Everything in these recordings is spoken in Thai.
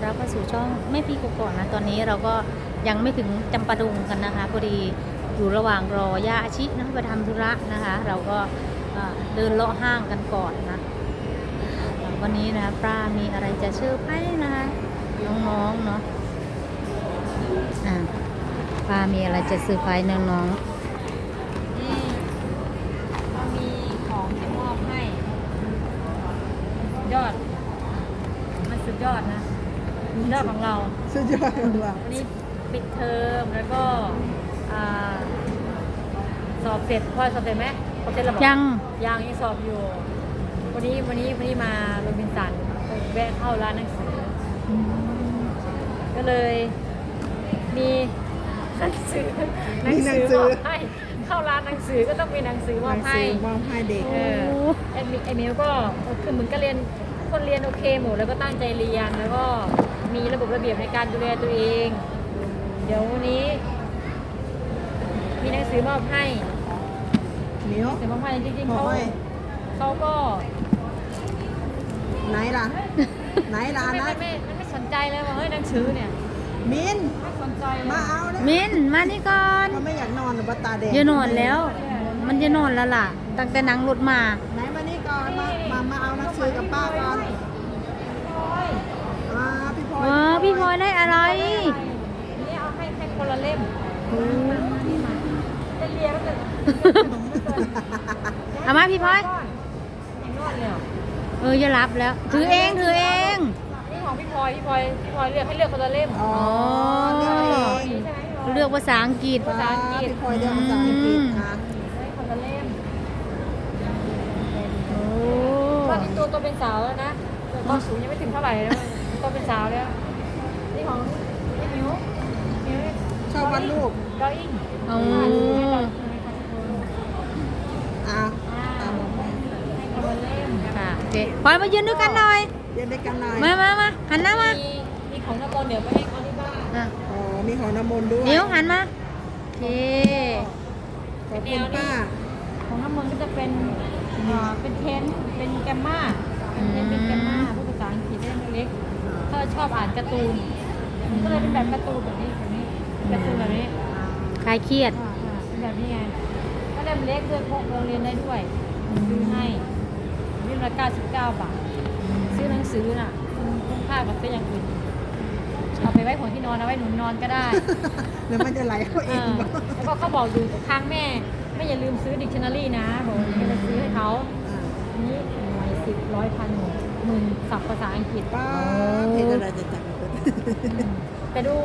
รับเข้าสู่ช่องแม่พี่กก่อนนะตอนนี้เราก็ยังไม่ถึงจำปาดุงกันนะคะพอดีอยู่ระหว่างรอย่าอาชินะไปทำธุระนะคะ เราก็เดินเลาะห้างกันก่อนนะวันนี้นะป้ามีอะไรจะเซอร์ไพรส์นะคะน้องๆเนาะป้ามีอะไรจะเซอร์ไพรส์น้องนี่ก็มีของจะมอบให้ยอดมันสุดยอดนะสุดยอดของเราสุดยอดของเราวันนี้ปิดเทอมแล้วก็สอบเสร็จพ่อสอบเสร็จไหมสอบเสร็จแล้วบอกยังยังสอบอยู่วันนี้มาโรบินสันแวะเข้าร้านหนังสือก็เลยมีหนังสือมอบให้เข้าร้านหนังสือก็ต้องมีหนังสือมอบให้มอบให้เด็กไอมิวก็คือเหมือนก็เรียนคนเรียนโอเคหมดแล้วก็ตั้งใจเรียนแล้วก็มีระบบระเบียบในการดูแลตัวเอง เดี๋ยววันนี้ มีหนังสือมอบให้มิ้วหนังสือมอบให้จริงๆมอบให้เขาก็ไหนล่ะ ไหนล่ะนะไม่สนใจเลยว่าเฮ้ยหนังสือเนี่ยมินไม่สนใจเลยมาเอาเลยมินมานี่ก่อนเขาไม่อยากนอนหรือว่าตาแดงอย่านอนแล้ว มันจะนอนแล้วล่ะตั้งแต่นั่งรถมาไหนมานี่ก่อนมาเอาหนังสือกับป้าก่อนพี่พลอยพี่พลอยได้อะไรนี่เอาให้คนละเล่มจะเรียนก็จะเอามาพี่พลอยยังนอนเลยเหรออย่ารับแล้ว ถือเองนี่ของพี่พลอยเลือกให้เลือกคนละเล่มอ๋อเลือกเองนี่ใช่ไหมพี่พลอยเลือกภาษาอังกฤษพี่พลอยเลือกภาษาอังกฤษค่ะให้คนละเล่มโอ้ตอนนี้ตัวเป็นสาวแล้วนะความสูงยังไม่ถึงเท่าไหร่นะตัวเป็นสาวแล้วนี่ของพี่มิวชอบวาดรูปดออิ่งโอ้อ่ะให้คนละเล่มค่ะโอเคพลอยมายืนด้วยกันหน่อยเรียนด้วยกันหน่อยมาหันหน้ามามีของน้ำมันเดี๋ยวไปให้เขาที่บ้านอ๋อมีของน้ำมนต์ด้วยเดี๋ยวหันมาโอเคขอบคุณป้าของน้ำมันก็จะเป็นเป็นเทนเป็นแกมมาเป็นแกมมาพูดภาษาอังกฤษเล่มเล็กถ้าชอบอ่านการ์ตูนก็เลยเป็นแบบการ์ตูนแบบนี้การ์ตูนแบบนี้คลายเครียดเป็นแบบนี้ไงก็เล่มเล็กด้วยพกโรงเรียนได้ด้วยซื้อให้เล่มละ99 บาทซื้อหนังสือน่ะคุ้มค่ากับซื้ออย่างอื่นเอาไปไว้หัวที่นอนเอาไว้หนุนนอนก็ได้เดี๋ยวมันจะไหลเข้าเองแล้วก็เขาบอกอยู่ข้างแม่อย่าลืมซื้อดิกชันนารีนะบอกอย่าลืมซื้อให้เขาอันนี้หน่วย10 100 พันหมื่นศัพท์ภาษาอังกฤษป้าเพจอะไรจะจับแต่ดู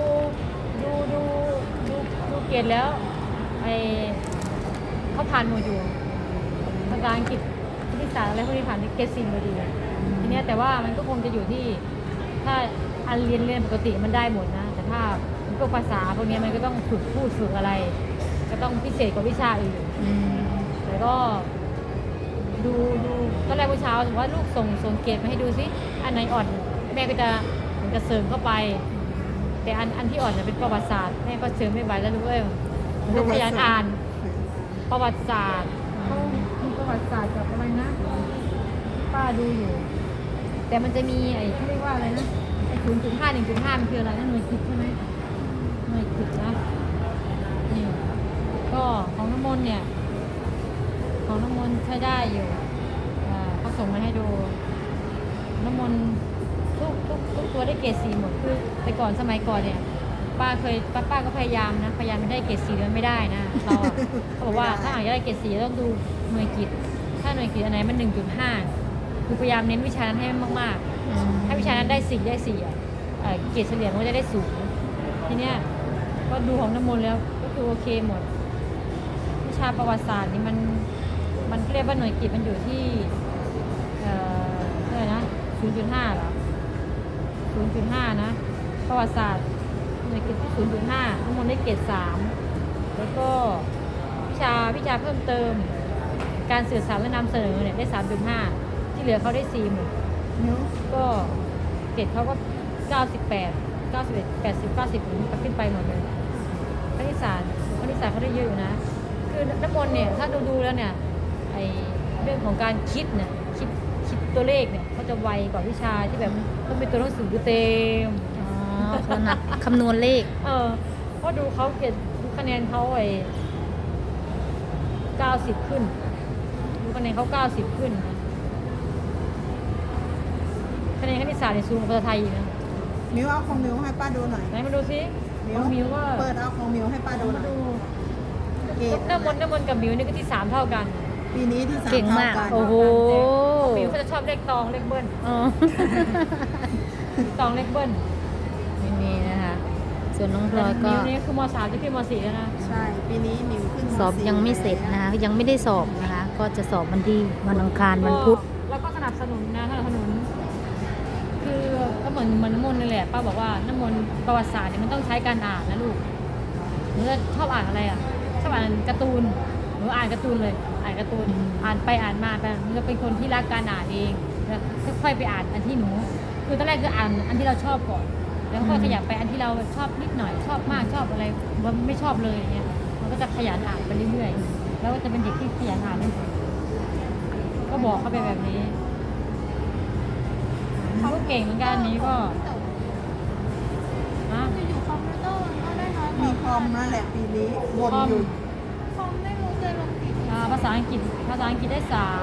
เกรดแล้วไอเขาผ่านหมดอยู่ภาษาอังกฤษคณิตศาสตร์อะไรพวกนี้ผ่านเกรด4มาดีทีเนี้ยแต่ว่ามันก็คงจะอยู่ที่ถ้าอันเรียนปกติมันได้หมดนะแต่ถ้าพวกภาษาพวกนี้มันก็ต้องฝึกพูดฝึกอะไรก็ต้องพิเศษกว่าวิชาอื่นแต่ก็ดูตอนแรกเช้าถือว่าลูกส่งเกรดมาให้ดูซิอันไหนอ่อนแม่ก็จะเหมือนกับเสริมเข้าไปแต่อันที่อ่อนเนี่ยเป็นประวัติศาสตร์แม่ก็เสริมไม่ไหวแล้วลูกเอ้ยลูกพยายามอ่านประวัติศาสตร์เขามีประวัติศาสตร์กับอะไรนะป้าดูอยู่แต่มันจะมีไอ้เขาเรียกว่าอะไรนะไอ้0.5 1.5มันคืออะไรนะหน่วยกิตใช่ไหมหน่วยกิตนะนี่ก็ของน้ำมนต์เนี่ยของน้ำมนต์ใช้ได้อยู่เขาส่งมาให้ดูน้ำมนต์ทุกตัวได้เกรด4หมดคือแต่ก่อนสมัยก่อนเนี่ยป้าก็พยายามได้เกรด4มันไม่ได้นะเราเขาบอกว่าถ้าอยากได้เกรด4ต้องดูหน่วยกิตถ้าหน่วยกิตอันไหนมัน 1.5 คือพยายามเน้นวิชานั้นให้มากๆถ้าวิชานั้นได้4เกรดเฉลี่ยมันก็จะได้สูงทีเนี้ยก็ดูของน้ำมนต์แล้วก็คือโอเคหมดวิชาประวัติศาสตร์นี่มันเรียกว่าหน่วยกิตมันอยู่ที่เท่าไหร่นะ 0.5 เหรอ 0.5 นะประวัติศาสตร์หน่วยกิตที่ 0.5 น้ำมนต์ได้เกรด3แล้วก็วิชาเพิ่มเติมการสื่อสารและนำเสนอเนี่ยได้ 3.5 ที่เหลือเขาได้4หมดก็เกรดเขาก็98 91 80 90ขึ้นไปหมดเลยคณิตศาสตร์เขาได้เยอะอยู่นะคือน้ำมนต์เนี่ยถ้าดูแล้วเนี่ยไอเรื่องของการคิดเนี่ยคิดตัวเลขเนี่ยเขาจะไวกว่าวิชาที่แบบต้องเป็นตัวหนังสือเต็มอ๋อขนาดคำนวณเลขเพราะดูเขาเกรดดูคะแนนเขา90 ขึ้น ดูคะแนนเขา90 ขึ้นนะคะแนนคณิตศาสตร์ในสูงกว่าภาษาไทยอีกนะมิวเอาของมิวให้ป้าดูหน่อยไหนมาดูซิมิน้องมิวก็เปิดเอาของมิวให้ป้าดูหน่อยดูเกรดน้ำมนต์กับมิวนี่ก็ที่ 3 เท่ากันปีนี้ที่3 เก่งมากท่นโอ้โหมิวเขาจะชอบเลขตองเลขเบิ้ลอ๋อตองเลขเบิ้ลนี่นะคะ ส่วนน้องพลอยก็มิวนี่คือม.3 จะขึ้นม.4 แล้วนะใช่ ปีนี้มิวขึ้นสอบยังไม่เสร็จนะคะ ยังไม่ได้สอบนะคะ ก็จะสอบวันที่วันอังคารวันพุธแล้วก็สนับสนุนนะสนับสนุน คือก็เหมือนน้ำมนต์นี่แหละป้าบอกว่าน้ำมนต์ประวัติศาสตร์เนี่ยมันต้องใช้การอ่านนะลูกหนูจะชอบอ่านอะไรอ่ะชอบอ่านการ์ตูนหนูอ่านการ์ตูนเลยอ่านการ์ตูนอ่านไปอ่านมาไปหนูจะเป็นคนที่รักการอ่านเองแล้วค่อยๆไปอ่านอันที่หนู คือตอนแรกคืออ่านอันที่เราชอบก่อนแล้วค่อยขยับไปอันที่เราชอบนิดหน่อยชอบมากชอบอะไรมันไม่ชอบเลยอย่างเงี้ยมันก็จะขยันอ่านไปเรื่อยๆแล้วก็จะเป็นเด็กที่ขยันอ่านนั่นเองก็บอกเขาไปแบบนี้เขาก็เก่งเหมือนกันอันนี้ก็นะอยู่คอมพิวเตอร์มันก็ได้น้อยกมีว่าคอมนั่นแหละปีนี้วนอยู่คอมไม่รู้จะลงกี่ภาษาอังกฤษได้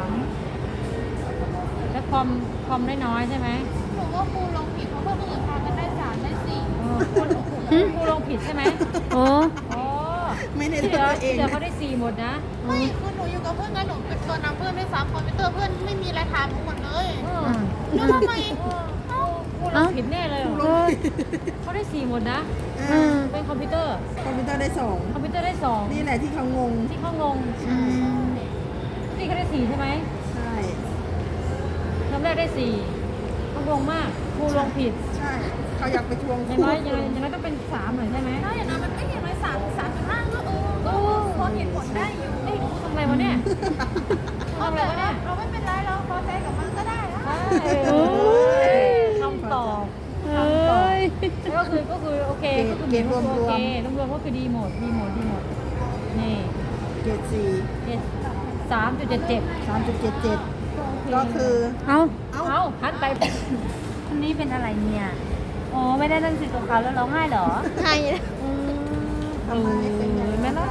3แล้วคอมได้น้อยใช่ไหมหนูว่าครูลงผิดเพราะคนอื่นพากันได้3ได้4 ครูลงผิดใช่ไหมโอ้อ๋อไม่ได้ที่เลืเหลือกอตัวเองที่เหลือเขาได้4หมดนะไม่คือหนูอยู่กับเพื่อนกันหนูเป็นตัวนำเพื่อนด้วยซ้ำคอมพิวเตอร์เพื่อนไม่มีอะไรทำหมดเลยอืมแล้วทำไมเอ้าครูลงผิดแน่เลยเหรอเอ้ยเขาได้4หมดนะอืมเป็นคอมพิวเตอร์คอมพิวเตอร์ได้คอมพิวเตอร์ได้ 2 นี่แหละที่เขางง 2ที่เขางงอืมที่เขาได้4ใช่ไหมใช่คำแรกได้4เขางงมากครูลงผิดใช่ เขาอยากไปทวงอย่างน้อยต้องเป็น3หน่อยใช่ไหมถ้าอย่างนั้นมันไม่เห็นเลย3.5ก็ก็พอเห็นผลได้อยู่เอ้ยทำอะไรวะเนี่ยทำอะไรวะเนี่ยเราไม่เป็นไรเราพอใจกับมันก็ได้นะโอ้ยคำตอบเอ้ยก็คือโอเคก็คือเกรดรวมโอเครวมๆก็คือดีหมดนี่เกรด4 3.77 3.77 ก็คือเอาเอาหันไปคนนี้เป็นอะไรเนี่ย อ๋อ ไม่ได้หนังสือกับเขาแล้วร้องไห้เหรอใช่ทำไมเป็นอย่างนั้นแม่รัก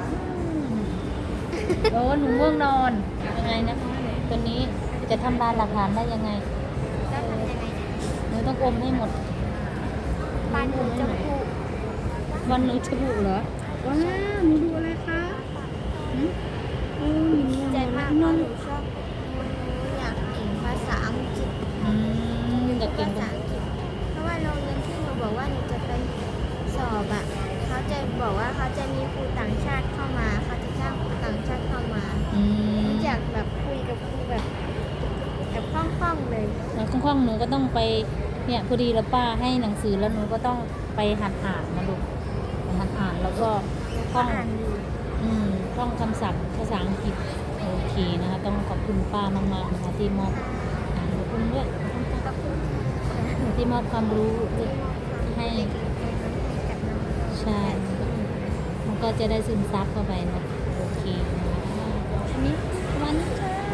โอ้หนูง่วงนอน ยังไงนะตัวนี้จะทำลายหลักฐานได้ยังไงแล้วทำยังไงเนี่ยหนูต้องอมให้หมดปานหนูจะพูดวันหนูจะบุเหรอ ว้าวหนูดูอะไรคะหืมโอ้ยหนูใจง่วงนมาอก นเพราะหนูชอบอยากเก่งภาษาอังกฤษอืมอยากเก่งภาษาอังกฤษเพราะว่าโรงเรียนที่หนูบอกว่าหนูจะไปสอบอ่ะเขาจะบอกว่าเขาจะมีครูต่างชาติเข้ามาเขาจะจ้างครูต่างชาติเข้ามาอืมหนูอยากแบบคุยกับครูแบบคล่องๆเลยแล้วคล่องๆหนูก็ต้องไป เนี่ยพอดีแล้วป้าให้หนังสือแล้วหนูก็ต้องไปหัดอ่านนะลูกหัดอ่านแล้วก็ท่องอ่านอยู่ท่องคำศัพท์ภาษาอังกฤษโอเคนะคะ ต้องขอบคุณป้ามากๆนะคะที่มอบขอบคุณด้วยที่มอบความรู้ให้ใช่มันก็จะได้ซึมซับเข้าไปเนาะโอเคนะคะอันนี้วันนี้ค่ะ